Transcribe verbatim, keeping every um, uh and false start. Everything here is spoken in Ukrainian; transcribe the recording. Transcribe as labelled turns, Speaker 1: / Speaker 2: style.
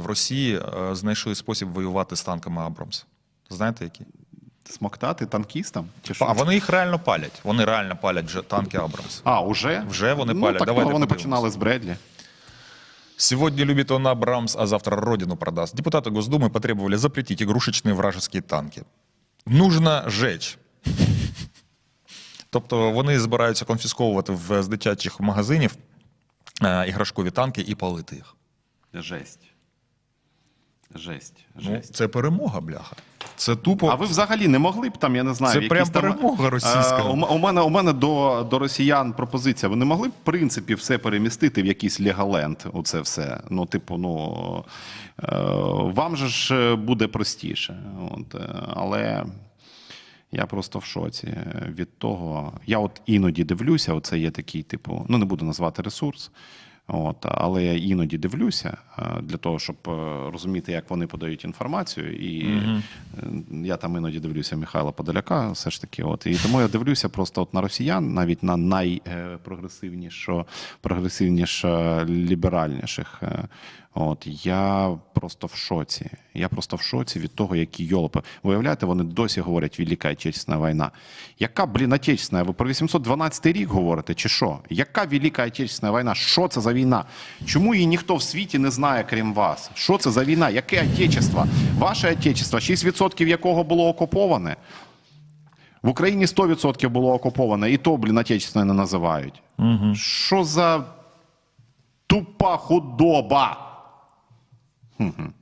Speaker 1: Росії знайшли спосіб воювати з танками Абрамс. Знаєте, які?
Speaker 2: Смоктати танкістам? Чи що?
Speaker 1: А вони їх реально палять. Вони реально палять вже танки Абрамс.
Speaker 2: А, уже?
Speaker 1: Вже вони
Speaker 2: ну,
Speaker 1: палять.
Speaker 2: Так,
Speaker 1: Давайте
Speaker 2: вони
Speaker 1: подивимось.
Speaker 2: починали з Бредлі.
Speaker 1: Сегодня любит он Абрамс, а завтра родину продаст. Депутаты Госдумы потребовали запретить игрушечные вражеские танки. Нужно жечь. Тобто вони збираються конфісковувати в, з дитячих магазинів е, іграшкові танки і палити їх.
Speaker 2: Жесть. Жесть.
Speaker 1: Ну,
Speaker 2: Жесть.
Speaker 1: це перемога, бляха. Це тупо...
Speaker 2: А ви взагалі не могли б там, я не знаю,
Speaker 1: Це
Speaker 2: якісь
Speaker 1: прям
Speaker 2: там,
Speaker 1: перемога російська.
Speaker 2: е, у, м- у мене, у мене до, до росіян пропозиція. Ви не могли б, в принципі, все перемістити в якийсь Леголенд, оце все? Ну, типу, ну, е, вам же ж буде простіше. От, е, але я просто в шоці від того. Я от іноді дивлюся, оце є такий, типу, ну, не буду назвати ресурс, От, але я іноді дивлюся для того, щоб розуміти, як вони подають інформацію. І mm-hmm. я там іноді дивлюся Михайла Подоляка, все ж таки. От, і тому я дивлюся просто от на росіян, навіть на найпрогресивнішо, прогресивніше, ліберальніших. От, я просто в шоці. Я просто в шоці від того, які йолопи. Виявляєте, вони досі говорять «Велика Отечественна війна». Яка, блін, Отечественна? Ви про вісімсот дванадцятий рік говорите, чи що? Яка Велика Отечественна війна? Що це за війна? Чому її ніхто в світі не знає, крім вас? Що це за війна? Яке Отечество? Ваше Отечество, шість відсотків якого було окуповане? В Україні сто відсотків було окуповане, і то, блін, Отечественне не називають. Угу. Що за тупа худоба? Угу.